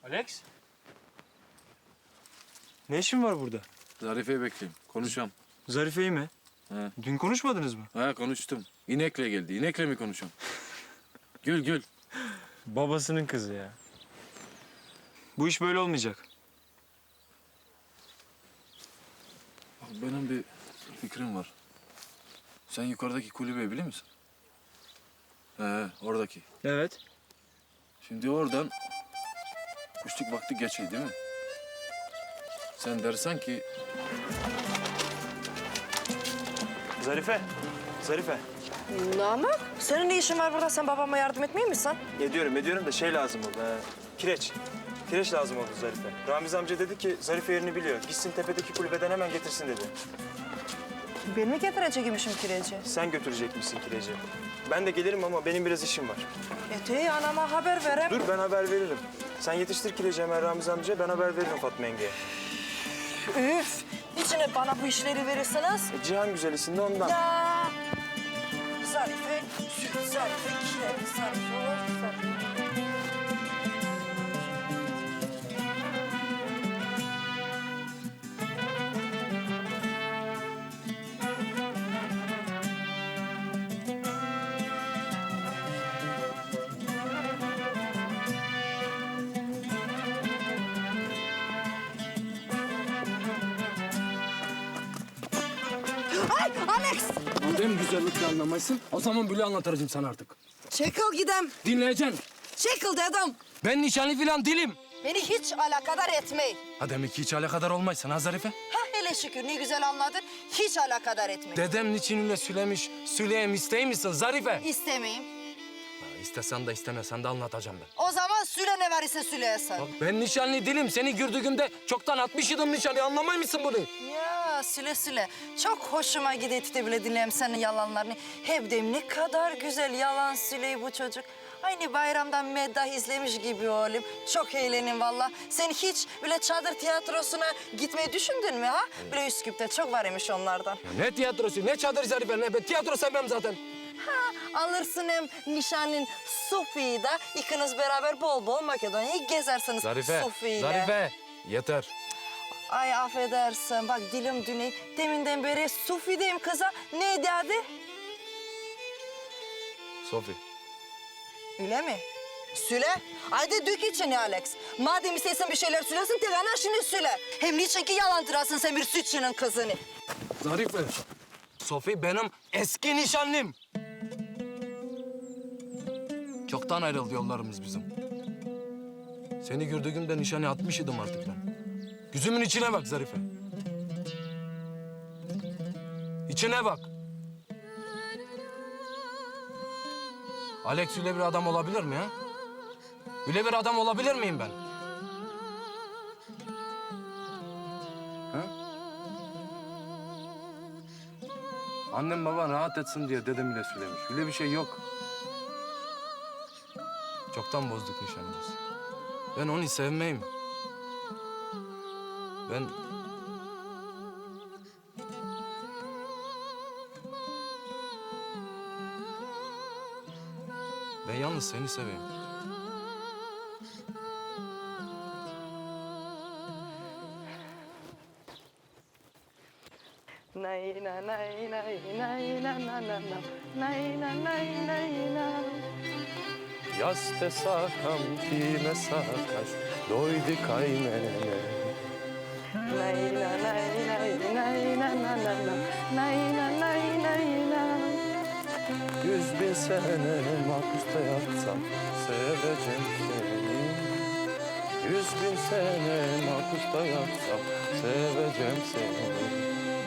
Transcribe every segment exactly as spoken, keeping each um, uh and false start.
Alex? Ne işin var burada? Zarife'yi bekleyeyim. Konuşalım. Zarife'yi mi? He. Dün konuşmadınız mı? Ha konuştum. İnekle geldi. İnekle mi konuşalım? Gül gül. Babasının kızı ya. Bu iş böyle olmayacak. Bak, benim bir fikrim var. Sen yukarıdaki kulübeyi biliyor musun? He, oradaki. Evet. Şimdi oradan kuşluk vakti geçiyor değil mi? Sen dersen ki Zarife. Zarife. Namık, senin ne işin var burada? Sen babama yardım etmeyeyim misin? Ediyorum ediyorum da şey lazım oldu. He. Kireç. Kireç lazım oldu Zarife. Ramiz amca dedi ki Zarife yerini biliyor. Gitsin tepedeki kulübeden hemen getirsin dedi. Ben mi getirecekmişim kireci? Sen götürecek misin kireci? Ben de gelirim ama benim biraz işim var. Ete anama haber verem. Dur ben haber veririm. Sen yetiştir kireci hemen Ramiz amca. Ben haber veririm Fatma yengeye. Üf! İçine bana bu işleri verirseniz. E, Cihan güzelisin de ondan. Ya! Zarife, süt, zarife, kireç, zarife olur, zarife. Ay Alex! Madem güzellikle anlamayısın, o zaman böyle anlatacağım sana artık. Çekil gidem. Dinleyeceksin. Çekil dedim. Ben nişanlı falan değilim. Beni hiç alakadar etmeyin. Ha demek ki hiç alakadar olmaysın ha Zarife? Ha hele şükür ne güzel anladın. Hiç alakadar etmeyin. Dedem niçin öyle söylemiş, söyleyeyim istey misin Zarife? İstemeyim. Ha, istesen de istemesen de anlatacağım ben. O zaman süle ne var ise süleyesin. Bak ben nişanlı değilim. Seni gördüğümde çoktan atmış idim nişanlı. Anlamay mısın bunu? Ya süle süle. Çok hoşuma gidetti bile dinleyeyim senin yalanlarını. Hep de ne kadar güzel yalan süleyi bu çocuk. Aynı bayramdan meddah izlemiş gibi oğlum. Çok eğlenin valla. Sen hiç bile çadır tiyatrosuna gitmeyi düşündün mü ha? Bile Üsküp'te çok var imiş onlardan. Ya ne tiyatrosu, ne çadır Zarife, ne ben tiyatro sevmem zaten. Ha, alırsın hem nişanın Sofi'yi da ikiniz beraber bol bol Makedonya'yı gezersiniz Zarife, Sofi'yle. Zarife. Yeter. Ay affedersin bak dilim düney. Deminden beri Sofi diyeyim kıza. Ne dedi? Sofi. Öyle mi? Süle. Haydi dök içini Alex. Madem istersen bir şeyler söylesin tek ana şimdi süle. Hem niçin ki yalancırasın sen bir sütçünün kızını. Zarife. Sofi benim eski nişanlım. Çoktan ayrıldı yollarımız bizim. Seni gördüğümde nişanı atmış idim artık ben. Gözümün içine bak Zarife. İçine bak. Alex öyle bir adam olabilir mi ha? Öyle bir adam olabilir miyim ben? Ha? Annem baban rahat etsin diye dedem bile söylemiş. Öyle bir şey yok. Çoktan bozduk nişanımızı. Ben onu sevmeyim. Ben... Ben yalnız seni seveyim. Nay na nay nay nay na na na na nay na nay nay na. Yaste sakam kime sakaş, doydu kaynene. Nay na nay nay nay na na na na nay na nay nay na. Yüz bin sene mahpusta yatsam seveceğim seni. Yüz bin sene mahpusta yatsam seveceğim seni.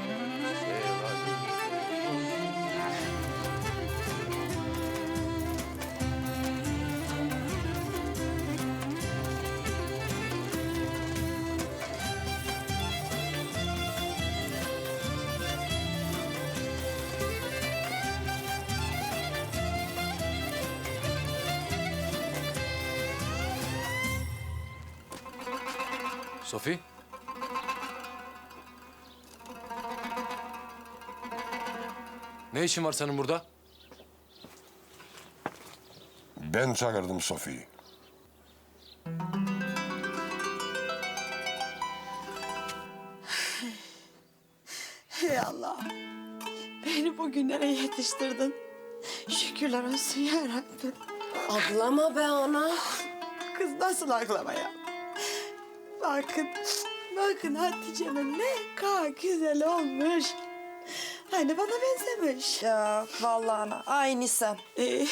Sofi? Ne işin var senin burada? Ben çağırdım Sofi'yi. Allah. Beni bugünlere yetiştirdin. Şükürler olsun ya Rabbim. Ablama be ana. Kız nasıl aklama ya? Bakın, bakın Hatice'me ne kadar güzel olmuş. Hani bana benzemiş. Ya vallahi ana aynı sen. Ee,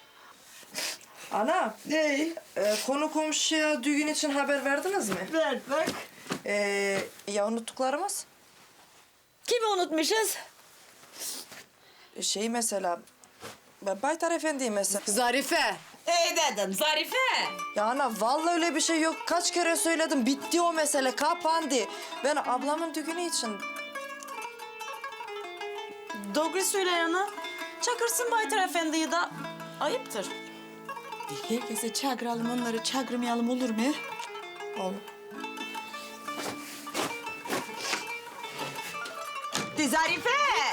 Ana ne? e, konu komşuya düğün için haber verdiniz mi? Ver bak. E, ya unuttuklarımız? Kimi unutmuşuz? E, Şey mesela ben Baytar Efendi'yi mesela. Zarife. İyi dedim Zarife. Ya ana vallahi öyle bir şey yok. Kaç kere söyledim. Bitti o mesele. Kapandı. Ben ablamın düğünü için. Doğru söyle yana. Çakırsın Baytar Efendi'yi de ayıptır. Herkese çağıralım onları çağırmayalım olur mu? Olur. De Zarife.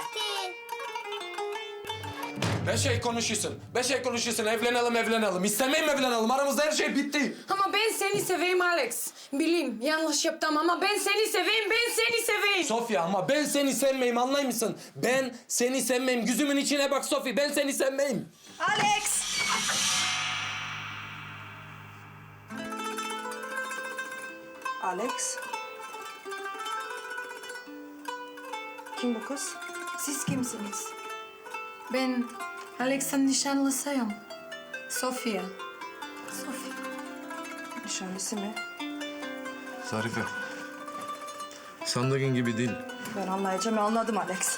Beş şey konuşuyorsun. Beş şey konuşuyorsun. Evlenelim evlenelim. İstemeyim evlenelim. Aramızda her şey bitti. Ama ben seni seveyim Alex. Bileyim yanlış yaptım ama ben seni seveyim, ben seni seveyim. Sofya ama ben seni sevmeyim anlay mısın? Ben seni sevmeyim. Gözümün içine bak Sofya. Ben seni sevmeyim. Alex! Alex? Kim bu kız? Siz kimsiniz? Ben Alex'in nişanlısıyım. Sofia. Sofia. Nişanlısı mı? Zarife. Sandığın gibi değil. Ben anlayacağım, anladım Alex.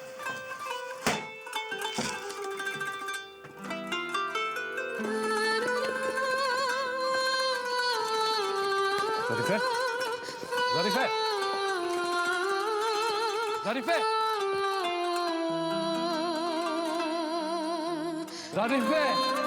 Zarife. Zarife. Zarife. Zarife.